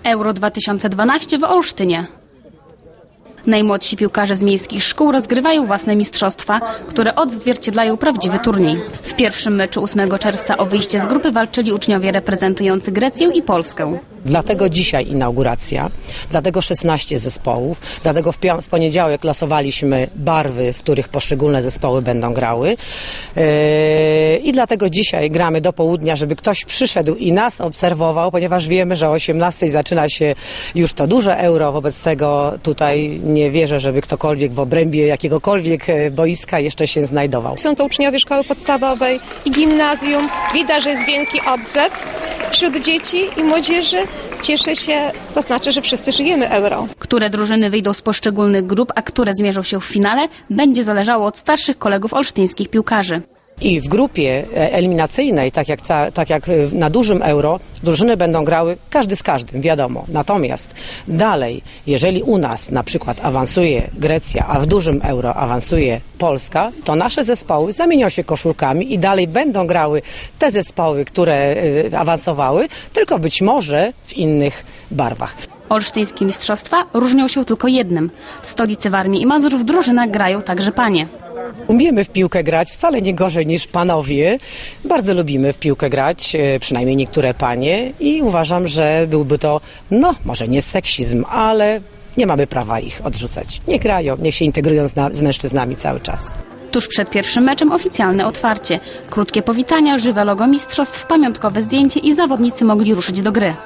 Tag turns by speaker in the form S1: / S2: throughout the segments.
S1: Euro 2012 w Olsztynie. Najmłodsi piłkarze z miejskich szkół rozgrywają własne mistrzostwa, które odzwierciedlają prawdziwy turniej. W pierwszym meczu 8 czerwca o wyjście z grupy walczyli uczniowie reprezentujący Grecję i Polskę.
S2: Dlatego dzisiaj inauguracja, dlatego 16 zespołów, dlatego w poniedziałek losowaliśmy barwy, w których poszczególne zespoły będą grały i dlatego dzisiaj gramy do południa, żeby ktoś przyszedł i nas obserwował, ponieważ wiemy, że o 18 zaczyna się już to duże Euro, wobec tego tutaj nie wierzę, żeby ktokolwiek w obrębie jakiegokolwiek boiska jeszcze się znajdował.
S3: Są to uczniowie szkoły podstawowej i gimnazjum. Widać, że jest wielki odzew wśród dzieci i młodzieży. Cieszę się, to znaczy, że wszyscy żyjemy Euro.
S1: Które drużyny wyjdą z poszczególnych grup, a które zmierzą się w finale, będzie zależało od starszych kolegów olsztyńskich piłkarzy.
S2: I w grupie eliminacyjnej, tak jak na dużym Euro, drużyny będą grały każdy z każdym, wiadomo. Natomiast dalej, jeżeli u nas na przykład awansuje Grecja, a w dużym Euro awansuje Polska, to nasze zespoły zamienią się koszulkami i dalej będą grały te zespoły, które awansowały, tylko być może w innych barwach.
S1: Olsztyńskie mistrzostwa różnią się tylko jednym. W stolicy Warmii i Mazur w drużynach grają także panie.
S2: Umiemy w piłkę grać wcale nie gorzej niż panowie. Bardzo lubimy w piłkę grać, przynajmniej niektóre panie i uważam, że byłby to, może nie seksizm, ale nie mamy prawa ich odrzucać. Niech grają, niech się integrują z mężczyznami cały czas.
S1: Tuż przed pierwszym meczem oficjalne otwarcie. Krótkie powitania, żywe logo mistrzostw, pamiątkowe zdjęcie i zawodnicy mogli ruszyć do gry.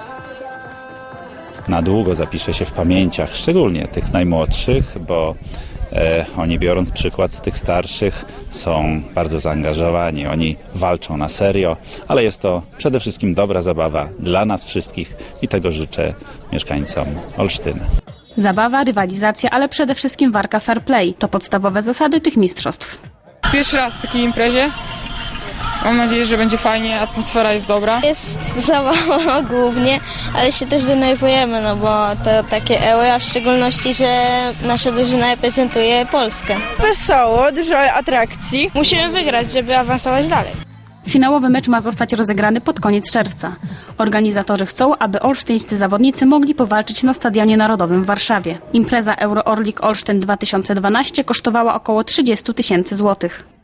S4: Na długo zapisze się w pamięciach, szczególnie tych najmłodszych, bo oni, biorąc przykład z tych starszych, są bardzo zaangażowani, oni walczą na serio, ale jest to przede wszystkim dobra zabawa dla nas wszystkich i tego życzę mieszkańcom Olsztyna.
S1: Zabawa, rywalizacja, ale przede wszystkim walka fair play to podstawowe zasady tych mistrzostw.
S5: Pierwszy raz w takiej imprezie. Mam nadzieję, że będzie fajnie, atmosfera jest dobra.
S6: Jest zabawa głównie, ale się też denerwujemy, bo to takie Euro, a w szczególności, że nasza drużyna reprezentuje Polskę.
S7: Wesoło, dużo atrakcji.
S6: Musimy wygrać, żeby awansować dalej.
S1: Finałowy mecz ma zostać rozegrany pod koniec czerwca. Organizatorzy chcą, aby olsztyńscy zawodnicy mogli powalczyć na Stadionie Narodowym w Warszawie. Impreza Euro Orlik Olsztyn 2012 kosztowała około 30 000 złotych.